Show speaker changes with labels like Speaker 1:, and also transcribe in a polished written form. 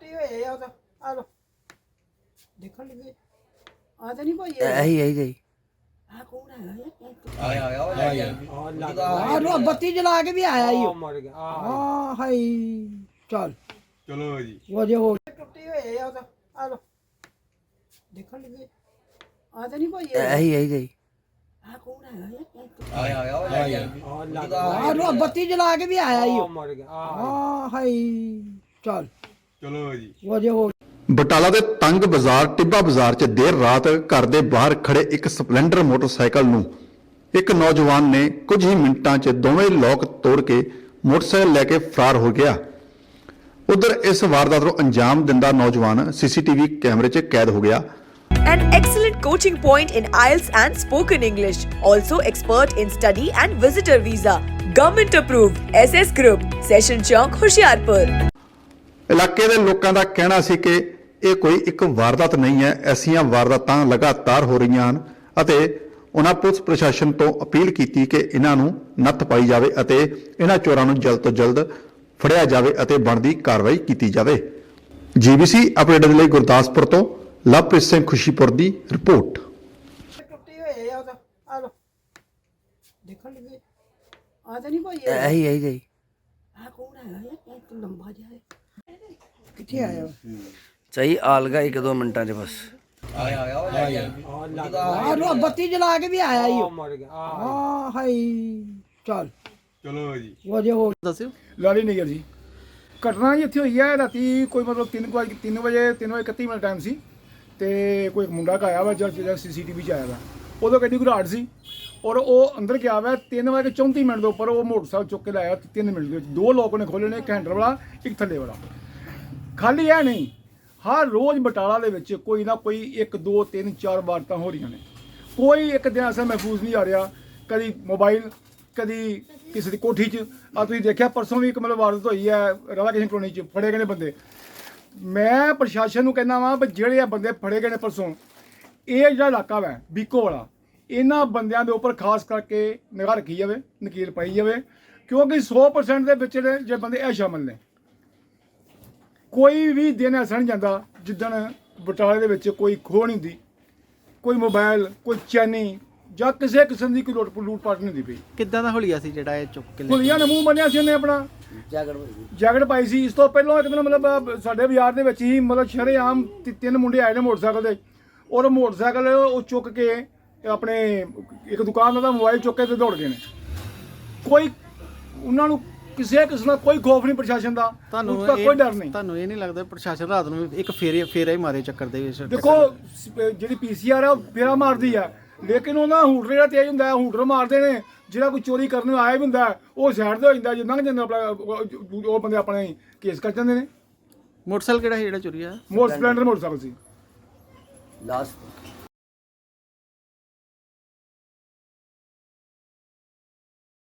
Speaker 1: ਟੁੱਟੀ ਹੋਏ ਆ ਉਹ ਤਾਂ ਆ ਲੋ ਦੇਖਣ ਲੱਗੇ ਆ ਤਾਂ ਨਹੀਂ ਭਾਈ
Speaker 2: ਇਹੀ
Speaker 1: ਆ ਕੌਣ ਹੈਗਾ
Speaker 3: ਆ
Speaker 1: ਆ ਬੱਤੀ ਜਲਾ ਕੇ ਵੀ ਆਇਆ ਈ
Speaker 3: ਮਰ ਗਿਆ
Speaker 1: ਆ ਹਾਈ ਚੱਲ
Speaker 3: ਚਲੋ ਜੀ
Speaker 1: ਵਜੇ ਹੋ ਟੁੱਟੀ ਹੋਏ ਆ ਉਹ ਤਾਂ ਆ ਲੋ ਦੇਖਣ ਲੱਗੇ ਆ ਤਾਂ ਨਹੀਂ ਭਾਈ
Speaker 2: ਇਹੀ
Speaker 1: ਆ ਕੌਣ ਹੈਗਾ ਆ ਬੱਤੀ ਜਲਾ ਕੇ ਵੀ ਆਇਆ ਈ
Speaker 3: ਮਰ ਗਿਆ
Speaker 1: ਆ ਹਾਈ ਚੱਲ
Speaker 3: ਚਲੋ ਜੀ
Speaker 1: ਵਜੇ ਹੋ
Speaker 4: ਬਟਾਲਾ ਦੇ ਤੰਗ ਬਾਜ਼ਾਰ ਟਿੱਬਾ ਬਾਜ਼ਾਰ 'ਚ ਦੇਰ ਰਾਤ ਘਰ ਦੇ ਬਾਹਰ ਖੜੇ ਇੱਕ ਸਪਲੈਂਡਰ ਮੋਟਰਸਾਈਕਲ ਨੂੰ ਇੱਕ ਨੌਜਵਾਨ ਨੇ ਕੁਝ ਹੀ ਮਿੰਟਾਂ 'ਚ ਦੋਵੇਂ ਲੋਕ ਤੋੜ ਕੇ ਮੋਟਰਸਾਈਕਲ ਲੈ ਕੇ ਫਰਾਰ ਹੋ ਗਿਆ। ਉਧਰ ਇਸ ਵਾਰਦਾਤ ਨੂੰ ਅੰਜਾਮ ਦਿੰਦਾ ਨੌਜਵਾਨ ਸੀਸੀਟੀਵੀ ਕੈਮਰੇ 'ਚ ਕੈਦ ਹੋ ਗਿਆ।
Speaker 5: An excellent coaching point in IELTS and spoken English. Also expert in study and visitor visa. Government approved. SS Group. Session Chowk, Hoshiarpur.
Speaker 4: ਇਲਾਕੇ ਦੇ ਲੋਕਾਂ ਦਾ ਕਹਿਣਾ ਸੀ ਕਿ ਇਹ ਕੋਈ ਇੱਕ ਵਾਰਦਾਤ ਨਹੀਂ ਹੈ, ਐਸੀਆਂ ਵਾਰਦਾਤਾਂ ਲਗਾਤਾਰ ਹੋ ਰਹੀਆਂ ਹਨ ਅਤੇ ਉਹਨਾਂ ਪੁਲਿਸ ਪ੍ਰਸ਼ਾਸਨ ਤੋਂ ਅਪੀਲ ਕੀਤੀ ਕਿ ਇਹਨਾਂ ਨੂੰ ਨੱਥ ਪਾਈ ਜਾਵੇ ਅਤੇ ਇਹਨਾਂ ਚੋਰਾਂ ਨੂੰ ਜਲਦ ਤੋਂ ਜਲਦ ਫੜਿਆ ਜਾਵੇ ਅਤੇ ਬਣਦੀ ਕਾਰਵਾਈ ਕੀਤੀ ਜਾਵੇ। ਜੀਬੀਸੀ ਅਪਡੇਟ ਦੇ ਲਈ ਗੁਰਦਾਸਪੁਰ ਤੋਂ ਲਵਪ੍ਰੀਤ ਸਿੰਘ ਖੁਸ਼ੀਪੁਰ ਦੀ ਰਿਪੋਰਟ।
Speaker 1: ਟੁੱਟੀ ਹੋਏ ਆ ਉਹ ਤਾਂ ਆ ਲੋ ਦੇਖਣ ਲੱਗੇ ਆ ਤਾਂ ਨਹੀਂ ਭਾਈ
Speaker 2: ਇਹੀ
Speaker 1: ਆ ਕੌਣ ਹੈਗਾ ਇਹ ਲੰਬਾ ਜਿਹਾ ਕਿੱਥੇ ਆਇਆ
Speaker 2: ਸਹੀ ਆਲਗਾ 1-2 ਮਿੰਟਾਂ 'ਚ ਬਸ
Speaker 1: ਆ ਬੱਤੀ ਜਲਾ ਕੇ ਵੀ ਆਇਆ ਈ
Speaker 3: ਮਰ ਗਿਆ
Speaker 1: ਆ ਹਾਈ ਚੱਲ
Speaker 3: ਚਲੋ ਜੀ
Speaker 1: ਵਜੇ ਹੋ
Speaker 2: ਦੱਸਿਓ
Speaker 6: ਲਾਲੀ ਨਗਰ ਜੀ ਘਟਨਾ ਜੀ ਇੱਥੇ ਹੋਈ ਹੈ ਰਾਤੀ ਕੋਈ ਮਤਲਬ 3 ਵਜੇ 3:31 ਮਿੰਟ ਟਾਈਮ ਸੀ ਤੇ ਕੋਈ ਮੁੰਡਾ ਆਇਆ ਵਾ ਜਦ ਸੀਸੀਟੀਵੀ 'ਚ ਆਇਆ ਵਾ ਉਦੋਂ ਗੱਡੀ ਘਰਾਟ ਸੀ ਔਰ ਉਹ ਅੰਦਰ ਗਿਆ ਵਾ 3:34 ਮਿੰਟ ਦੇ ਉੱਪਰ ਉਹ ਮੋਟਰਸਾਈਕਲ ਚੁੱਕ ਕੇ ਲਾਇਆ 3 ਮਿੰਟ ਦੇ ਵਿੱਚ 2 ਲੋਕ ਨੇ ਖੋਲ੍ਹੇ ਨੇ, ਇੱਕ ਹੈਂਡਲ ਵਾਲਾ ਇੱਕ ਥੱਲੇ ਵਾਲਾ। ਖਾਲੀ ਇਹ ਨਹੀਂ, ਹਰ ਰੋਜ਼ ਬਟਾਲਾ ਦੇ ਵਿੱਚ ਕੋਈ ਨਾ ਕੋਈ 1 2 3 4 ਵਾਰਦਾਤਾਂ ਹੋ ਰਹੀਆਂ ਨੇ। ਕੋਈ ਇੱਕ ਦਿਨ ਐਸਾ ਮਹਿਫੂਜ਼ ਨਹੀਂ ਆ ਰਿਹਾ, ਕਦੀ ਮੋਬਾਈਲ ਕਦੀ ਕਿਸੇ ਦੀ ਕੋਠੀ 'ਚ। ਆ ਤੁਸੀਂ ਦੇਖਿਆ ਪਰਸੋਂ ਵੀ ਇੱਕ ਮਤਲਬ ਵਾਰਦਾਤ ਹੋਈ ਹੈ ਰਾਧਾ ਕ੍ਰਿਸ਼ਨ ਕਲੋਨੀ 'ਚ, ਫੜੇ ਗਏ ਨੇ ਬੰਦੇ। ਮੈਂ ਪ੍ਰਸ਼ਾਸਨ ਨੂੰ ਕਹਿੰਦਾ ਵਾਂ ਵੀ ਜਿਹੜੇ ਆ ਬੰਦੇ ਫੜੇ ਗਏ ਨੇ ਪਰਸੋਂ, ਇਹ ਜਿਹੜਾ ਇਲਾਕਾ ਵਾ ਬੀਕੋ ਵਾਲਾ, ਇਹਨਾਂ ਬੰਦਿਆਂ ਦੇ ਉੱਪਰ ਖਾਸ ਕਰਕੇ ਨਿਗਾਹ ਰੱਖੀ ਜਾਵੇ, ਨਕੀਲ ਪਾਈ ਜਾਵੇ, ਕਿਉਂਕਿ 100% ਦੇ ਵਿੱਚ ਜੇ ਬੰਦੇ ਇਹ ਸ਼ਾਮਲ ਨੇ। ਕੋਈ ਵੀ ਦਿਨ ਐਸਾ ਨਹੀਂ ਜਾਂਦਾ ਜਿੱਦਣ ਬਟਾਲੇ ਦੇ ਵਿੱਚ ਕੋਈ ਖੋਹ ਨਹੀਂ ਹੁੰਦੀ, ਕੋਈ ਮੋਬਾਈਲ, ਕੋਈ ਚੈਨੀ ਜਾਂ ਕਿਸੇ ਕਿਸਮ ਦੀ ਕੋਈ ਲੂਟ-ਪਾਟ ਨਹੀਂ ਹੁੰਦੀ ਪਈ।
Speaker 2: ਕਿੱਦਾਂ ਦਾ ਹੁਲੀਆ ਸੀ ਜਿਹੜਾ ਇਹ ਚੁੱਕ ਕੇ
Speaker 6: ਹੁਲੀਆ ਨੇ ਮੂੰਹ ਬੰਨਿਆ ਸੀ ਉਹਨੇ, ਆਪਣਾ ਜੈਕਟ ਪਾਈ ਸੀ। ਇਸ ਤੋਂ ਪਹਿਲਾਂ ਇੱਕ ਦਿਨ ਮਤਲਬ ਸਾਡੇ ਬਾਜ਼ਾਰ ਦੇ ਵਿੱਚ ਹੀ ਮਤਲਬ ਸ਼ਰੇਆਮ 3 ਮੁੰਡੇ ਆਏ ਨੇ ਮੋਟਰਸਾਈਕਲ ਦੇ, ਔਰ ਮੋਟਰਸਾਈਕਲ ਉਹ ਚੁੱਕ ਕੇ ਆਪਣੇ ਇੱਕ ਦੁਕਾਨ ਦਾ ਮੋਬਾਈਲ ਚੁੱਕ ਕੇ ਤੇ ਦੌੜ ਗਏ ਨੇ। ਕੋਈ ਉਹਨਾਂ ਨੂੰ ਕਿਸੇ ਕਿਸਮ ਦਾ ਕੋਈ ਖੌਫ ਨਹੀਂ ਪ੍ਰਸ਼ਾਸਨ ਦਾ, ਉਸਦਾ ਕੋਈ ਡਰ ਨਹੀਂ।
Speaker 2: ਤੁਹਾਨੂੰ ਇਹ ਨਹੀਂ ਲੱਗਦਾ ਪ੍ਰਸ਼ਾਸਨ ਰਾਤ ਨੂੰ ਇੱਕ ਫੇਰਾ ਹੀ ਮਾਰੇ ਚੱਕਰ ਦੇ ਵਿੱਚ?
Speaker 6: ਦੇਖੋ ਜਿਹੜੀ ਪੀਸੀਆਰ ਆ ਉਹ ਫੇਰਾ ਮਾਰਦੀ ਆ, ਲੇਕਿਨ ਉਹਦਾ ਹੂਟਰ ਜਿਹੜਾ ਤੇਜ਼ ਹੁੰਦਾ ਹੈ, ਹੂਟਰ ਮਾਰਦੇ ਨੇ। ਜਿਹੜਾ ਕੋਈ ਚੋਰੀ ਕਰਨ ਆਇਆ ਵੀ ਹੁੰਦਾ ਉਹ ਸਾਈਡ ਤੇ ਹੋ ਜਾਂਦਾ, ਜੇ ਲੰਘ ਜਾਂਦਾ ਆਪਣਾ ਉਹ ਬੰਦੇ ਆਪਣੇ ਕੇਸ ਕਰ ਜਾਂਦੇ ਨੇ।
Speaker 2: ਮੋਟਰਸਾਈਕਲ ਕਿਹੜਾ ਸੀ ਜਿਹੜਾ ਚੋਰੀ ਆ?
Speaker 6: ਸਪਲੈਂਡਰ ਮੋਟਰਸਾਈਕਲ ਸੀ।